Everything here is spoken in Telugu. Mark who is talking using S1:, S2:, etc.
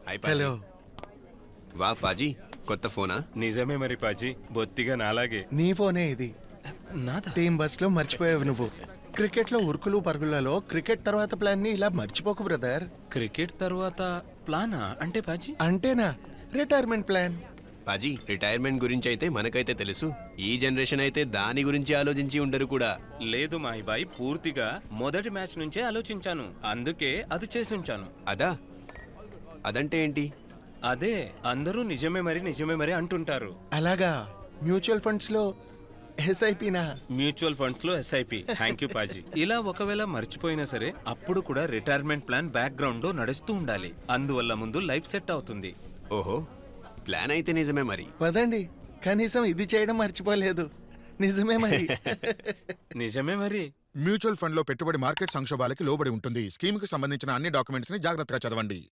S1: హలో.
S2: వా పాజీ, కొత్త ఫోనా?
S3: నిజమే మరి పాజీ, బొత్తిగా నాలాగే.
S1: నీ ఫోనే ఇది.
S3: నాదా?
S1: టీం బస్ లో మర్చిపోయావు నువ్వు. క్రికెట్ లో ఉరుకులు పరుగులలో క్రికెట్ తర్వాత ప్లాన్ ని ఇలా మర్చిపోకు బ్రదర్.
S3: క్రికెట్ తర్వాత ప్లానా అంటే పాజీ?
S1: అంటేనా రిటైర్మెంట్ ప్లాన్.
S2: పాజీ, రిటైర్మెంట్ గురించి అయితే మనకైతే తెలుసు. ఈ జనరేషన్ అయితే దాని గురించి ఆలోచించి ఉండరు కూడా.
S3: లేదు మాహిబాయ్, పూర్తిగా మొదటి మ్యాచ్ నుంచే ఆలోచించాను, అందుకే అది చేసుంచాను.
S2: అదంటే ఏంటి?
S3: అదే అందరూ నిజమే మరి అంటుంటారు.
S1: అలాగా. మ్యూచువల్ ఫండ్స్ లో ఎస్ఐపినా?
S3: మ్యూచువల్ ఫండ్స్ లో ఎస్ఐపి. Thank you Paaji. ఇలా ఒకవేళ మర్చిపోయినా సరే అప్పుడు కూడా రిటైర్మెంట్ ప్లాన్ బ్యాక్ గ్రౌండ్ లో నడుస్తూ ఉండాలి. అందువల్ల ముందు లైఫ్ సెట్ అవుతుంది.
S2: ఓహో, ప్లాన్ అయితే నిజమే మరి.
S1: పదండి, కనీసం ఇది చేయడం మర్చిపోలేదు. నిజమే మరి.
S3: నిజమే మరి.
S4: మ్యూచువల్ ఫండ్ లో పెట్టుబడి మార్కెట్ సంక్షోభాలకి లోబడి ఉంటుంది. స్కీమ్ కి సంబంధించిన అన్ని డాక్యుమెంట్స్ ని జాగ్రత్తగా చదవండి.